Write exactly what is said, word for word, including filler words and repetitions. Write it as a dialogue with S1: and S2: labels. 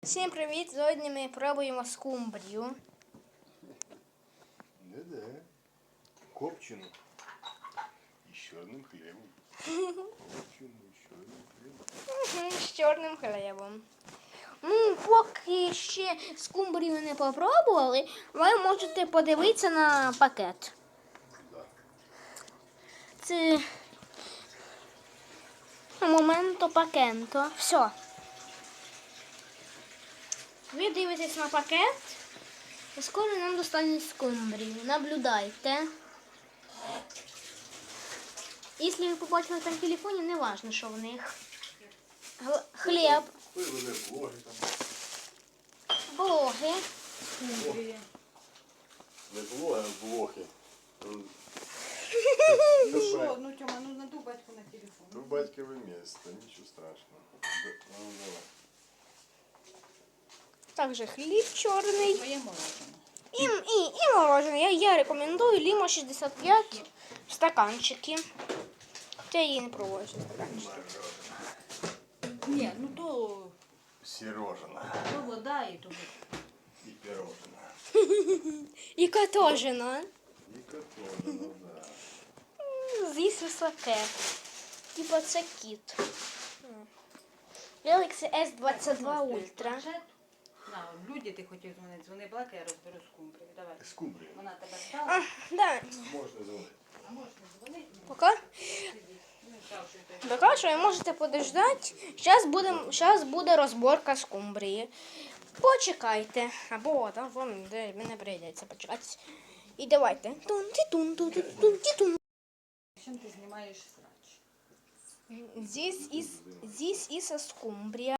S1: Всім привіт! Сьогодні ми пробуємо скумбрію.
S2: Да-да. Копчену. І з чорним хлібом. Копчену і з чорним хлібом.
S1: З чорним хлібом. Ну, поки ще скумбрію не попробували, ви можете подивитися на пакет.
S2: Да.
S1: Це моменто пакенто. Все. Ви дивитесь на пакет, і скоро нам достануть скумбрію. Наблюдайте. Якщо ви побачили там в телефоні, не важливо, що в них. Г- Хліб,
S2: Хто веде блоги там?
S1: блоги.
S2: Не блоги, а блохи.
S3: Ну що, ну Тьома, ну надуй батьку на телефон.
S2: Ну, батькове місто, нічого страшного. Да, ну, давай.
S1: Також хліб чорний.
S3: Моє морожене.
S1: І, і, і морожене. Я, я рекомендую Лімо шістдесят п'ять стаканчики. Це я її не пробую, що стаканчики.
S3: Ні, ну то,
S2: Сірожина.
S3: то вода і то.
S2: І пірожина.
S1: І катожина.
S2: І катожина, да.
S1: З'їсть високе. Типа це кіт. Galaxy ес двадцять два Ultra.
S3: На, люди ти хотів дзвонити, дзвони Блака, я розберу скумбрію. Давай.
S2: Скумбрія.
S3: Вона тебе
S1: А,
S3: стала.
S1: да.
S2: Можна дзвонити.
S3: А можеш не дзвонити?
S1: Пока.
S3: Ну, став, що ти.
S1: Пока що ви можете подождати. Зараз буде, зараз буде розборка скумбрії. Почекайте. Або там вам де мені прийдеться почекати. І давайте. Тун-ті-тун-тун-тун-ті-тун.
S3: Чим ти знімаєш срач?
S1: This is, this is a скумбрія.